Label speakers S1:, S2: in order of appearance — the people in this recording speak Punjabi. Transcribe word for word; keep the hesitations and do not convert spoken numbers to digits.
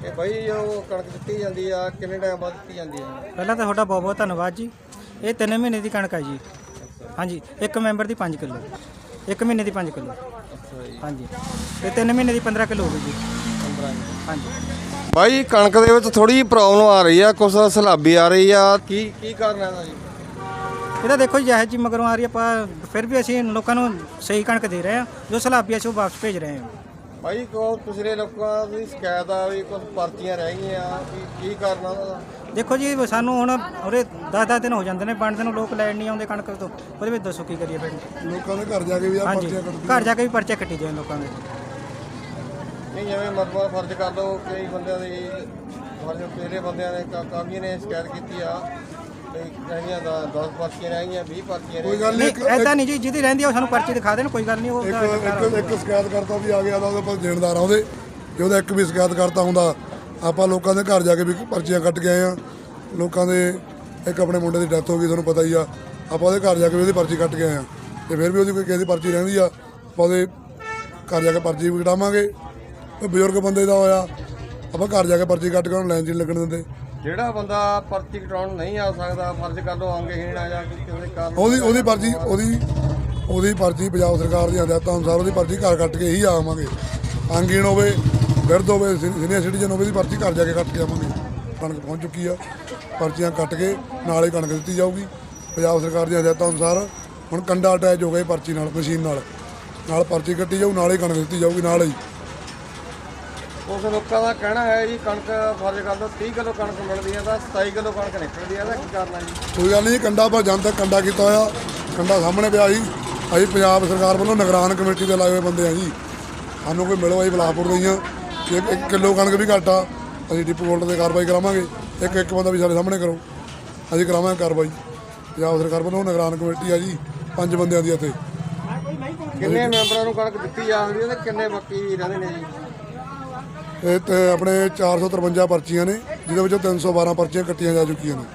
S1: ਇਹ ਬਾਈ ਜੋ ਕਣਕ ਦਿੱਤੀ ਜਾਂਦੀ ਆ ਕਿੰਨੇ ਟਾਈਮ ਬਾਅਦ ਦਿੱਤੀ ਜਾਂਦੀ ਆ?
S2: ਪਹਿਲਾਂ ਤਾਂ ਤੁਹਾਡਾ ਬਹੁਤ ਬਹੁਤ ਧੰਨਵਾਦ ਜੀ। ਇਹ ਤਿੰਨ ਮਹੀਨੇ ਦੀ ਕਣਕ ਹੈ ਜੀ। ਹਾਂਜੀ, ਇੱਕ ਮੈਂਬਰ ਦੀ ਪੰਜ ਕਿਲੋ, ਇੱਕ ਮਹੀਨੇ ਦੀ ਪੰਜ ਕਿਲੋ।
S1: ਅੱਛਾ ਜੀ।
S2: ਹਾਂਜੀ, ਤੇ ਤਿੰਨ ਮਹੀਨੇ ਦੀ ਪੰਦਰਾਂ ਕਿਲੋ ਹੋ ਗਈ ਜੀ।
S1: ਪੰਦਰਾਂ
S2: ਹਾਂਜੀ
S1: ਬਾਈ ਕਣਕ ਦੇ ਵਿੱਚ ਥੋੜੀ ਪ੍ਰੋਬਲਮ ਆ ਰਹੀ ਆ, ਕੁਛ ਸਲਾਬੀ ਆ ਰਹੀ ਆ, ਕੀ ਕੀ ਕਾਰਨ ਹੈ ਇਹਦਾ ਜੀ?
S2: ਇਹਦਾ ਦੇਖੋ ਜੀ, ਜਿਹੋ ਜੀ ਮਗਰੋਂ ਆ ਰਹੀ ਆਪਾਂ ਫਿਰ ਵੀ ਅਸੀਂ ਲੋਕਾਂ ਨੂੰ ਸਹੀ ਕਣਕ ਦੇ ਰਹੇ ਹਾਂ। ਜੋ ਸਲਾਬੀ ਅਸੀਂ ਉਹ ਵਾਪਸ ਭੇਜ ਰਹੇ ਹਾਂ।
S1: ਬਾਈ ਕੋ ਪਿਛਲੇ ਲੋਕਾਂ ਦੀ ਸ਼ਿਕਾਇਤ ਆ ਵੀ ਕੁਝ ਪਰਚੀਆਂ ਰਹਿ ਗਈਆਂ, ਕੀ ਕੀ ਕਾਰਨ ਆ ਉਹਦਾ?
S2: ਦੇਖੋ ਜੀ, ਸਾਨੂੰ ਹੁਣ ਉਰੇ ਦਸ ਦਸ ਦਿਨ ਹੋ ਜਾਂਦੇ ਨੇ ਬਣਦੇ ਨੂੰ, ਲੋਕ ਲੈਣ ਨਹੀਂ ਆਉਂਦੇ ਕਣਕ ਤੋਂ। ਉਹਦੇ ਵਿੱਚ ਦੱਸੋ ਕੀ ਕਰੀਏ ਫਿਰ?
S3: ਲੋਕਾਂ ਦੇ ਘਰ ਜਾ ਕੇ ਵੀ ਆ
S2: ਹਾਂਜੀ,
S3: ਪਰਚੀਆਂ ਕੱਟਦੀਆਂ।
S2: ਘਰ ਜਾ ਕੇ ਵੀ ਪਰਚੇ ਕੱਟੀ ਜਾਣ ਲੋਕਾਂ ਦੇ।
S1: ਨਹੀਂ ਜਿਵੇਂ ਮਤਲਬ ਫਰਜ਼ ਕਰ ਲਓ, ਕਈ ਬੰਦਿਆਂ ਦੀ ਫਰਜ਼ ਪਹਿਲੇ ਬੰਦਿਆਂ ਨੇ ਕਾ- ਕਾਫੀ ਨੇ ਸ਼ਿਕਾਇਤ ਕੀਤੀ ਆ ਤੇ ਕਹਿੰਦੀਆਂ ਦਸ ਪਰਚੀਆਂ ਰਹਿ ਗਈਆਂ, ਵੀਹ ਪਰਚੀਆਂ ਰਹਿ
S3: ਕੋਈ
S1: ਗਈਆਂ।
S3: ਗੱਲ ਨਹੀਂ,
S2: ਨਹੀਂ ਐਦਾਂ ਨਹੀਂ ਜੀ, ਜਿਹਦੀ ਰਹਿੰਦੀ ਆ ਉਹ ਸਾਨੂੰ ਪਰਚੀ ਦਿਖਾ ਦੇਣ, ਕੋਈ ਗੱਲ ਨਹੀਂ। ਉਹ
S3: ਇੱਕ ਇੱਕ ਇੱਕ ਸ਼ਿਕਾਇਤ ਕਰਤਾ ਵੀ ਆ ਗਿਆ ਤਾਂ ਉਹਦੇ ਕੋਲ ਦੇਣਦਾਰ ਆ ਉਹਦੇ, ਜੇ ਉਹਦਾ ਇੱਕ ਵੀ ਸ਼ਿਕਾਇਤ ਕਰਤਾ ਹੁੰਦਾ ਆਪਾਂ ਲੋਕਾਂ ਦੇ ਘਰ ਜਾ ਕੇ ਵੀ ਪਰਚੀਆਂ ਕੱਟ ਕੇ ਆਏ ਆ। ਲੋਕਾਂ ਦੇ ਇੱਕ ਆਪਣੇ ਮੁੰਡੇ ਦੀ ਡੈਥ ਹੋ ਗਈ, ਤੁਹਾਨੂੰ ਪਤਾ ਹੀ ਆ, ਆਪਾਂ ਉਹਦੇ ਘਰ ਜਾ ਕੇ ਵੀ ਉਹਦੀ ਪਰਚੀ ਕੱਟ ਕੇ ਆਏ ਆ। ਤੇ ਫਿਰ ਵੀ ਉਹਦੀ ਕੋਈ ਕਿਸੇ ਦੀ ਪਰਚੀ ਰਹਿੰਦੀ ਆ, ਆਪਾਂ ਉਹਦੇ ਘਰ ਜਾ ਕੇ ਪਰਚੀ ਵੀ ਕਟਾਵਾਂਗੇ। ਕੋਈ ਬਜ਼ੁਰਗ ਬੰਦੇ ਦਾ ਹੋਇਆ ਆਪਾਂ ਘਰ ਜਾ ਕੇ ਪਰਚੀ ਕੱਟ ਕੇ ਉਹਨੂੰ ਲਾਈਨ 'ਚ ਨਹੀਂ ਲੱਗਣ ਦਿੰਦੇ।
S1: ਜਿਹੜਾ ਬੰਦਾ ਪਰਚੀ ਕਟਾਉਣ ਨਹੀਂ ਆ ਸਕਦਾ, ਫਰਜ਼ ਕਰ ਲਓ ਅੰਗਹੀਣ ਆ ਜਾਂ ਕਿਸੇ ਦੇ ਕਾਰਨ
S3: ਉਹਦੀ ਉਹਦੀ ਪਰਚੀ ਉਹਦੀ ਉਹਦੀ ਪਰਚੀ ਪੰਜਾਬ ਸਰਕਾਰ ਦੀਆਂ ਹਦਾਇਤਾਂ ਅਨੁਸਾਰ ਉਹਦੀ ਪਰਚੀ ਘਰ ਕੱਟ ਕੇ ਹੀ ਆਵਾਂਗੇ। ਅੰਗਹੀਣ ਹੋਵੇ, ਬਿਰਧ ਹੋਵੇ, ਸੀਨੀਅਰ ਸਿਟੀਜ਼ਨ ਹੋਵੇ, ਦੀ ਪਰਚੀ ਘਰ ਜਾ ਕੇ ਕੱਟ ਕੇ ਆਵਾਂਗੇ। ਕਣਕ ਪਹੁੰਚ ਚੁੱਕੀ ਆ, ਪਰਚੀਆਂ ਕੱਟ ਕੇ ਨਾਲ ਹੀ ਕਣਕ ਦਿੱਤੀ ਜਾਊਗੀ ਪੰਜਾਬ ਸਰਕਾਰ ਦੀਆਂ ਹਦਾਇਤਾਂ ਅਨੁਸਾਰ। ਹੁਣ ਕੰਡਾ ਅਟੈਚ ਹੋ ਗਿਆ ਪਰਚੀ ਨਾਲ, ਮਸ਼ੀਨ ਨਾਲ ਨਾਲ ਪਰਚੀ ਕੱਟੀ ਜਾਊ, ਨਾਲ ਹੀ ਕਣਕ ਦਿੱਤੀ ਜਾਊਗੀ ਨਾਲ ਹੀ।
S1: ਉਸ ਲੋਕਾਂ ਦਾ ਕਹਿਣਾ ਹੈ ਜੀ ਕਣਕ ਫਰਜ਼ ਕਰ ਲਓ ਤੀਹ ਕਿਲੋ ਕਣਕ ਮਿਲਦੀ ਹੈ ਤਾਂ ਸਤਾਈ ਕਿਲੋ ਕਣਕ ਨਿਕਲਦੀ ਹੈ, ਇਹਦਾ ਕੀ ਕਰਨਾ ਜੀ?
S3: ਕੋਈ ਗੱਲ ਨਹੀਂ, ਕੰਡਾ ਪਰ ਜਨ ਤੱਕ ਕੰਡਾ ਕੀਤਾ ਹੋਇਆ, ਕੰਡਾ ਸਾਹਮਣੇ ਪਿਆ ਸੀ। ਅਸੀਂ ਪੰਜਾਬ ਸਰਕਾਰ ਵੱਲੋਂ ਨਿਗਰਾਨ ਕਮੇਟੀ ਦੇ ਲਾਏ ਹੋਏ ਬੰਦੇ ਆ ਜੀ। ਸਾਨੂੰ ਕੋਈ ਮਿਲੋ ਅਸੀਂ ਬਲਾਪੁਰ ਦੇ ਹਾਂ, ਜੇ ਇੱਕ ਕਿਲੋ ਕਣਕ ਵੀ ਘੱਟ ਆ ਅਸੀਂ ਡਿਪੂ ਹੋਲਡਰ 'ਤੇ ਕਾਰਵਾਈ ਕਰਾਵਾਂਗੇ। ਇੱਕ ਇੱਕ ਬੰਦਾ ਵੀ ਸਾਡੇ ਸਾਹਮਣੇ ਕਰੋ, ਅਸੀਂ ਕਰਾਵਾਂਗੇ ਕਾਰਵਾਈ। ਪੰਜਾਬ ਸਰਕਾਰ ਵੱਲੋਂ ਨਿਗਰਾਨ ਕਮੇਟੀ ਆ ਜੀ, ਪੰਜ ਬੰਦਿਆਂ ਦੀ ਇੱਥੇ।
S1: ਕਿੰਨੇ ਮੈਂਬਰਾਂ ਨੂੰ ਕਣਕ ਦਿੱਤੀ ਜਾਂਦੀ ਹੈ ਤੇ ਕਿੰਨੇ ਬਾਕੀ ਰਹਿੰਦੇ ਨੇ ਜੀ?
S3: ਇਹ ਤੇ ਆਪਣੇ ਚਾਰ ਸੌ ਤਰਵੰਜਾ ਪਰਚੀਆਂ ਨੇ, ਜਿਹਦੇ ਵਿੱਚੋਂ ਤਿੰਨ ਸੌ ਬਾਰਾਂ ਪਰਚੀਆਂ ਕੱਟੀਆਂ ਜਾ ਚੁੱਕੀਆਂ ਨੇ।